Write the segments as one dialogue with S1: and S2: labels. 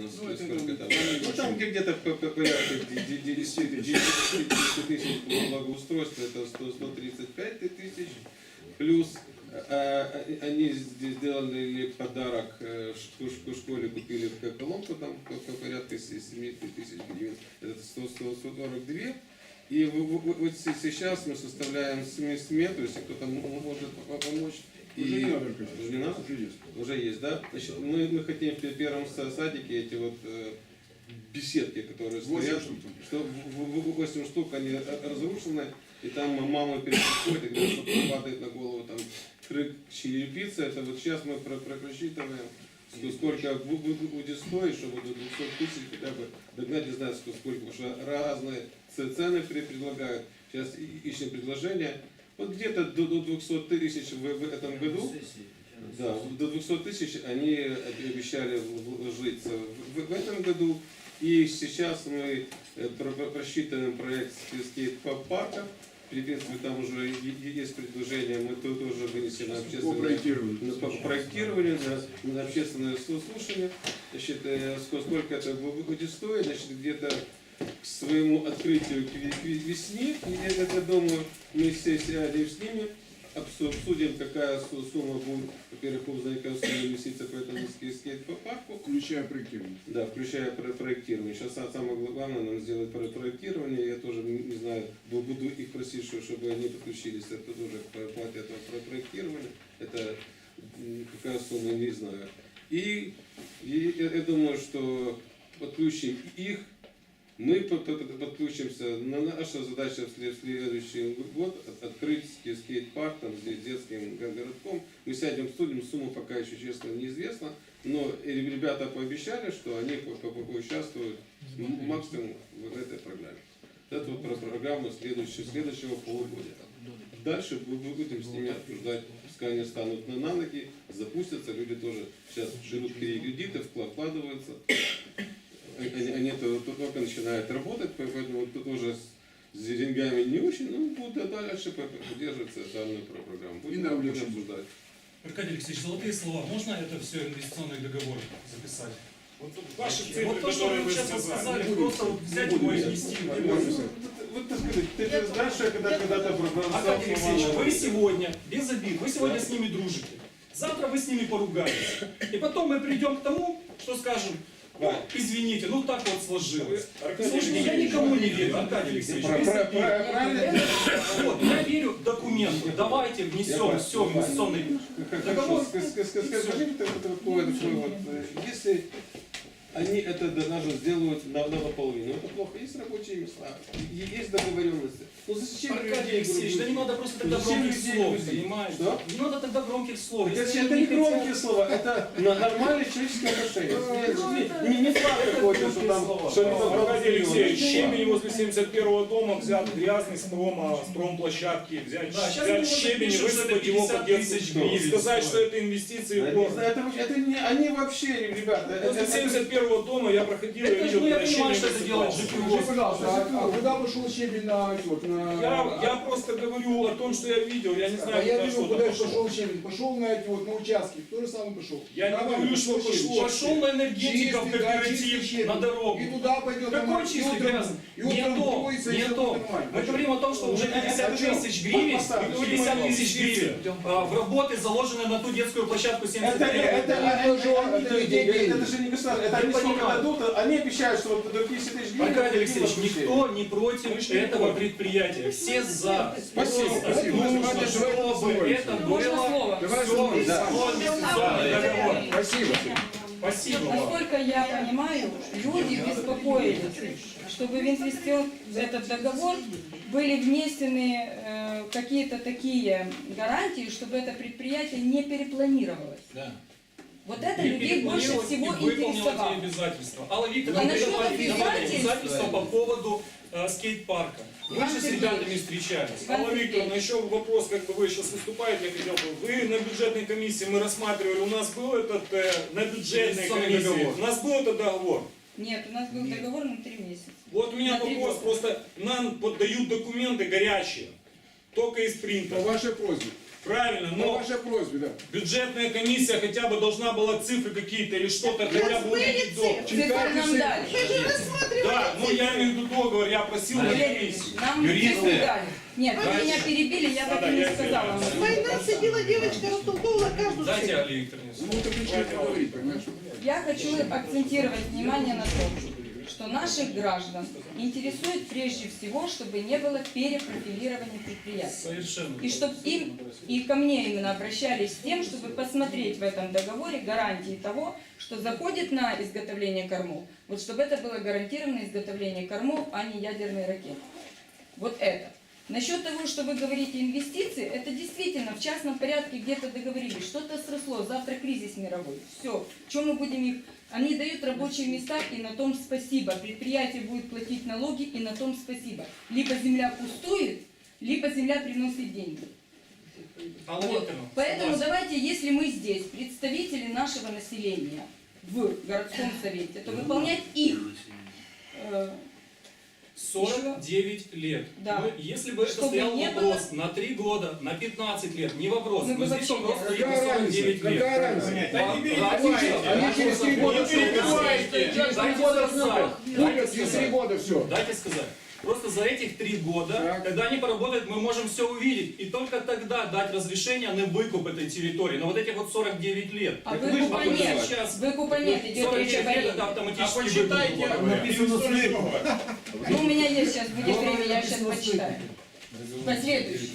S1: ну сколько там, ну там где-то порядка 10 тысяч благоустройства, это 135 тысяч, плюс они сделали подарок в школе, купили колонку там порядка 7 тысяч гривен, это 142. И вот сейчас мы составляем смету, если кто-то может помочь.
S2: Уже не надо,
S1: не надо? Уже есть, да? Значит, мы хотим в первом садике эти вот беседки, которые стоят, что 8 штук, они разрушены, и там мама переходит, и где-то падает на голову там черепица. Это вот сейчас мы просчитываем, сколько будет стоить, чтобы до 200 тысяч хотя бы догнать, не знаю сколько, потому что разные цены предлагают. Сейчас ищем предложение. Вот где-то до 200 тысяч в этом году, да, до 200 тысяч они обещали вложиться в этом году. И сейчас мы просчитываем проект скейт-парка. В принципе, там уже есть предложение, мы тоже вынесем на общественное проектирование, на общественное слушание. Значит, сколько это будет стоить, значит, где-то к своему открытию к весне, я думаю, мы все сядем с ними, обсудим, какая сумма будет, во-первых, узнать, какая сумма инвестиция по этому скейт-парку.
S2: Включая проектирование.
S1: Да, включая проектирование. Сейчас самое главное нам сделать проектирование. Я тоже не знаю, буду их просить, чтобы они подключились. Это тоже к плате этого проектирования. Это какая сумма, не знаю. И я думаю, что подключим их. Мы подключимся. Наша задача в следующий год открыть скейт-парк там, здесь детским городком. Мы сядем, обсудим, сумма пока еще честно неизвестна, но ребята пообещали, что они поучаствуют максимум в этой программе. Это вот про программу следующего полугодия. Дальше мы будем с ними обсуждать, пускай они станут на ноги, запустятся, люди тоже сейчас берут кредиты, вкладываются. Они только начинают работать, поэтому тут уже с деньгами не очень, но будут дальше поддерживаться данную программу. Будем обсуждать.
S3: Аркадий Алексеевич, золотые слова. Можно это все инвестиционный договор записать?
S4: Вот ваши цифры,
S3: Вот то, что
S4: которые
S3: вы
S4: вы
S3: сейчас
S4: сказали.
S3: сказали, просто вот взять его и внести.
S1: Вот так сказать, ты знаешь, что я когда-то
S3: Аркадий Алексеевич, вы сегодня, без обид, вы сегодня с ними дружите. Завтра вы с ними поругаетесь. И потом мы придем к тому, что скажем, ну, извините, ну так вот сложилось. Слушайте, я никому не верю, Аркадий Алексеевич. Вот, я верю в документы. Давайте внесем все в инвестиционный договор.
S1: Скажи мне такое, если они это даже сделают наполовину, это плохо. Есть рабочие места, есть договоренности. Ну зачем
S3: Аркадий Алексеевич, да не надо просто тогда громких слов, понимаете?
S1: Что?
S3: Не надо тогда громких слов.
S1: Это не громкие слова, это нормальные человеческие отношения. Не факт какой-то, что там...
S4: Аркадий Алексеевич, щебень возле 71-го дома взят грязный с промплощадки, взять щебень и высыпать его под детскую. Сказать, что это инвестиции в город.
S1: Это не они вообще, ребята.
S4: Возле 71-го дома я проходил и видел,
S3: я
S4: когда
S3: понимаю,
S4: щебень
S3: что это делает
S4: высыпался.
S2: Скажи, пожалуйста, а куда пошел щебень на...
S4: Я просто говорю о том, что я видел, я не знаю,
S2: А я
S4: куда
S2: вижу,
S4: что-то
S2: куда
S4: пошло.
S2: пошел щебень. Пошел на эти вот, на участки. Кто же самый пошел?
S4: Я не говорю, что пошло.
S3: Пошел на энергетиков,
S2: Чистый, да, чистый
S3: кооператив,
S2: щебень.
S3: на дорогу.
S2: И туда пойдет.
S3: Какой чистый грязный? Не то, не то. Мы говорим о том, что уже 50 тысяч гривен, 50 тысяч гривен в работы заложены на ту детскую площадку 75
S1: Это же не государство, это они сколько дадут, они обещают, что вот до 50 тысяч гривен...
S3: Аркадий Алексеевич, никто не против этого предприятия. Все за.
S1: Спасибо, спасибо.
S3: Нужно, чтобы это было все инвестиционный договор.
S2: Спасибо.
S3: Спасибо вам.
S5: Насколько я понимаю, люди беспокоились, чтобы в этот договор были внесены какие-то такие гарантии, чтобы это предприятие не перепланировалось.
S3: Да.
S5: Вот это людей больше всего
S3: выполнила
S5: интересовало.
S3: эти обязательства. Алла Викторовна,
S5: А насчет
S3: приняла
S5: обязательств?
S3: обязательства по поводу скейт-парка. Вы
S5: Иван
S3: же с
S5: Сергеевич.
S3: ребятами встречались.
S5: Иван
S4: Алла
S5: Сергеевич.
S4: Викторовна, еще вопрос, как бы вы сейчас выступаете, я хотел бы. Вы на бюджетной комиссии, мы рассматривали, у нас был этот, на бюджетной
S3: Инвестиционный
S4: комиссии,
S3: договор.
S4: у нас был этот договор.
S5: Нет, у нас был договор на 3 месяца.
S4: Вот у меня
S5: На 3
S4: вопрос,
S5: года.
S4: просто нам поддают документы горячие, только из принта.
S2: По вашей просьбе.
S4: Правильно,
S2: По
S4: но
S2: вашей просьбе, да.
S4: бюджетная комиссия хотя бы должна была цифры какие-то или что-то хотя бы увидеть до.
S5: Цифры нам дали.
S4: Да, ну я имею в виду договор, я просил на комиссию.
S5: Нам цифры дали. Нет, вы меня перебили, я так и не сказала.
S6: Война сидела девочка, растолковывала каждую
S3: Дайте,
S6: цифру.
S3: Олег Викторович.
S2: Ну, это начинает говорить, понимаешь?
S5: Я хочу акцентировать внимание на том, что наших граждан интересует прежде всего, чтобы не было перепрофилирования предприятий.
S3: Совершенно.
S5: И чтобы им, и ко мне именно обращались с тем, чтобы посмотреть в этом договоре гарантии того, что заходит на изготовление кормов, вот чтобы это было гарантированное изготовление кормов, а не ядерные ракеты. Вот это. Насчет того, что вы говорите инвестиции, это действительно в частном порядке где-то договорились, что-то сросло, завтра кризис мировой. Все. Чем мы будем их... Они дают рабочие места, и на том спасибо. Предприятие будет платить налоги, и на том спасибо. Либо земля пустует, либо земля приносит деньги.
S3: Алла
S5: Вот.
S3: Викторовна,
S5: Поэтому
S3: согласен.
S5: давайте, если мы здесь представители нашего населения в городском совете, то выполнять их
S3: 49 лет.
S5: Да.
S3: Ну, если бы это
S5: Чтобы
S3: стоял
S5: не
S3: вопрос на 3 года, на 15 лет, не вопрос.
S5: Мы
S3: Но
S5: бы
S3: здесь
S5: вообще
S3: вопрос
S5: не-
S3: стоит на
S2: Какая
S3: 49
S2: разница?
S3: лет.
S2: Какая разница?
S4: Да не
S2: Они через 3 года
S4: Не
S2: все
S4: перебивайте.
S3: Дайте
S2: года
S3: сказать.
S2: Вылез, через 3 года все.
S3: Дайте сказать. Просто за этих 3 года,
S2: Так.
S3: когда они поработают, мы можем все увидеть. И только тогда дать разрешение на выкуп этой территории. Но вот этих вот 49 лет.
S5: А
S3: Так
S5: выкупа
S3: вы же
S5: нет.
S3: сейчас
S5: Выкупа нет, идет речь
S3: 49
S5: об
S3: лет это
S5: аренде.
S3: автоматически
S4: Почитайте,
S3: выкуп.
S4: написано слева.
S5: Ну, у меня есть сейчас, будет время, я сейчас почитаю. Последующий.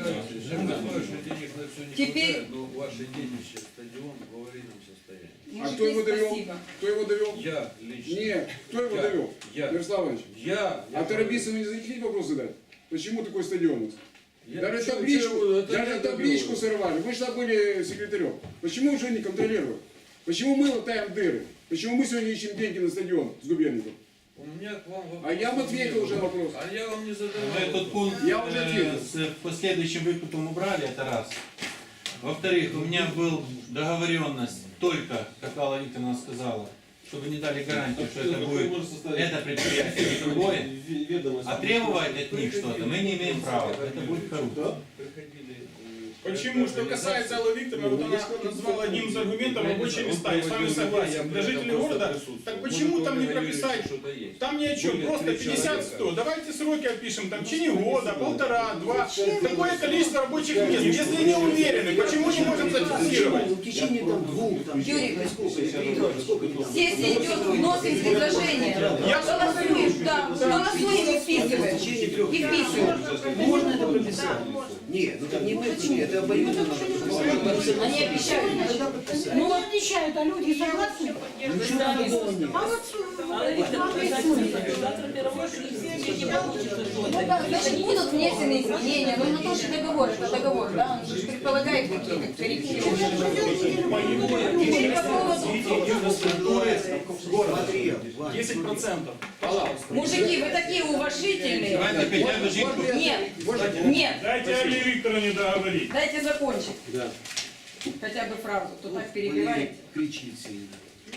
S5: Теперь-
S7: но ваше детище, стадион в аварийном состоянии.
S2: А кто его
S5: Мужики,
S2: довел?
S5: спасибо.
S2: Кто его довел?
S7: Я лично.
S2: Нет, кто его
S7: Я.
S2: довел?
S7: Я.
S2: Ярослав Иванович,
S7: Я.
S2: а Тарабисову не захотели вопрос задать? Почему такой стадион у нас? Даже табличку,
S7: это
S2: даже
S7: я
S2: табличку
S7: довел.
S2: сорвали. Вы же там были секретарем. Почему уже не контролируем? Почему мы латаем дыры? Почему мы сегодня ищем деньги на стадион с Губерником?
S7: У меня к вам вопрос.
S2: А я вам ответил уже на вопрос.
S7: А я вам не задавал.
S8: Мы этот пункт
S2: Я уже ответил.
S8: с последующим выкупом убрали, это раз. Во-вторых, у меня была договоренность только, как Алла Викторовна сказала, чтобы не дали гарантию, что это будет это предприятие и другое. А требовать от них что-то мы не имеем права. Это будет коррупция.
S4: Почему? Что касается Аллы Викторовны, вот она назвала одним из аргументов рабочие места. Я с вами согласен. Для жителей города, так почему там не прописать? Там ни о чем, просто 50-100. Давайте сроки опишем, там в течение года, 1,5-2. Какое количество рабочих мест. Если не уверены, почему не можем зафиксировать?
S9: В течение там 2, там,
S5: Юрий,
S9: сколько?
S5: сессия идет, вносим предложение.
S4: Я
S5: Голосуем, да, голосуем и вписываем. И вписываем.
S9: Можно это прописать? Нет, ну так не мы, это обоюдно надо.
S5: Они обещают.
S6: Ну, не отвечают, а люди согласны.
S9: Ничего такого нет.
S6: А вот
S5: Значит, будут внесены изменения, но на то же договор, это договор, да, он же предполагает какие-то коррективы. Теперь по поводу...
S9: Смотри, Ваня,
S3: 10%.
S5: Мужики, вы такие уважительные.
S8: Давайте хотя бы жить.
S5: Нет, нет,
S4: Дайте Алле Викторовне договорить.
S5: дайте закончить.
S1: Да.
S5: Хотя бы фразу, то так перебиваете.
S9: кричит сильно.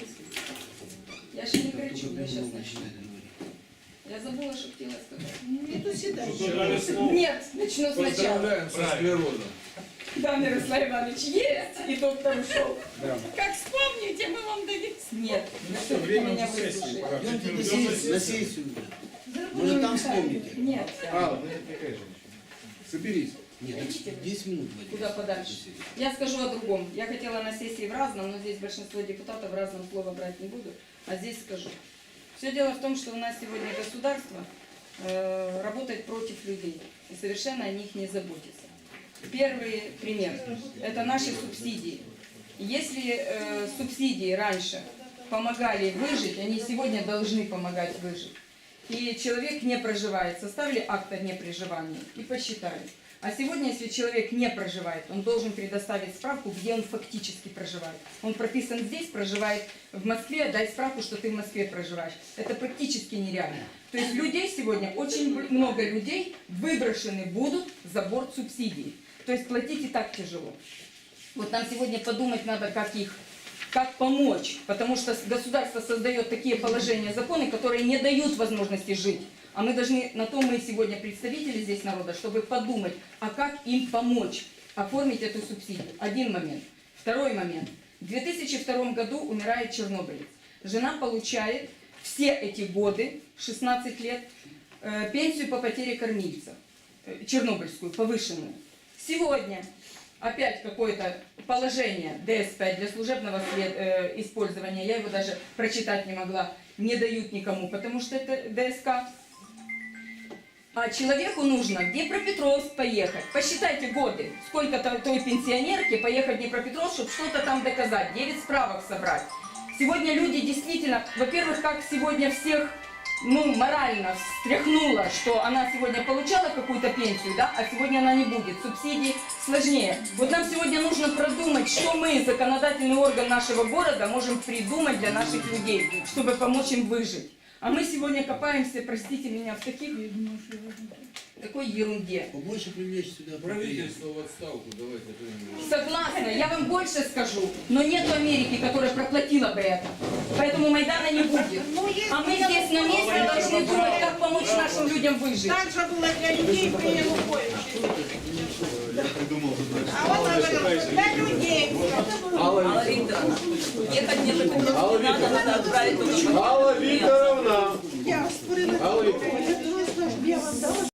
S5: Я же не кричу, я сейчас начну. Я забыла, что хотела сказать.
S6: это всегда.
S4: Дали слово.
S5: Нет, начну сначала.
S7: Поздравляем со склерозом.
S5: Да, Мирослав Иванович, есть, и доктор ушел. Как вспомните, мы вам дадим. Нет,
S4: Все, время
S5: меня
S4: уже сессии.
S5: выслушали.
S4: Пора.
S9: Идемте на сессию. Может там вспомните.
S5: Нет,
S2: Алла, соберись.
S9: Нет, 10 минут. Вадим.
S5: куда подальше. Я скажу о другом. Я хотела на сессии в разном, но здесь большинство депутатов в разном слово брать не буду, а здесь скажу. Все дело в том, что у нас сегодня государство работает против людей и совершенно о них не заботится. Первый пример – это наши субсидии. Если субсидии раньше помогали выжить, они сегодня должны помогать выжить. И человек не проживает, составили акт о непроживании и посчитали. А сегодня, если человек не проживает, он должен предоставить справку, где он фактически проживает. Он прописан здесь, проживает в Москве, дай справку, что ты в Москве проживаешь. Это практически нереально. То есть людей сегодня, очень много людей выброшены будут за борт субсидий. То есть платить и так тяжело. Вот нам сегодня подумать надо, как помочь, потому что государство создает такие положения, законы, которые не дают возможности жить. А мы должны, на то мы сегодня представители здесь народа, чтобы подумать, а как им помочь. оформить эту субсидию. Один момент. Второй момент. В 2002 году умирает чернобылец. Жена получает все эти годы, 16 лет, пенсию по потере кормильца, чернобыльскую, повышенную. Сегодня опять какое-то положение ДС-5 для служебного использования, я его даже прочитать не могла, не дают никому, потому что это ДСК. А человеку нужно в Днепропетровск поехать. Посчитайте годы, сколько той пенсионерке поехать в Днепропетровск, чтобы что-то там доказать, 9 справок собрать. Сегодня люди действительно, во-первых, как сегодня всех, морально встряхнуло, что она сегодня получала какую-то пенсию, да, а сегодня она не будет. Субсидии сложнее. Вот нам сегодня нужно продумать, что мы, законодательный орган нашего города, можем придумать для наших людей, чтобы помочь им выжить. А мы сегодня копаемся, простите меня, в такой ерунде.
S7: Побольше привлечь сюда правительство в отставку, давайте.
S5: Согласна, я вам больше скажу, но нет Америки, которая проплатила бы это. Поэтому Майдана не будет. А мы здесь на месте должны думать, как помочь нашим людям выжить.
S6: Так же было для людей при Януковиче. А вот для людей.
S10: Алла Викторовна, ехать мне по Петровску не надо, надо отправить туда.
S2: Алла Викторовна!
S6: Я створила.
S2: Алла Викторовна!
S6: Я вам дала.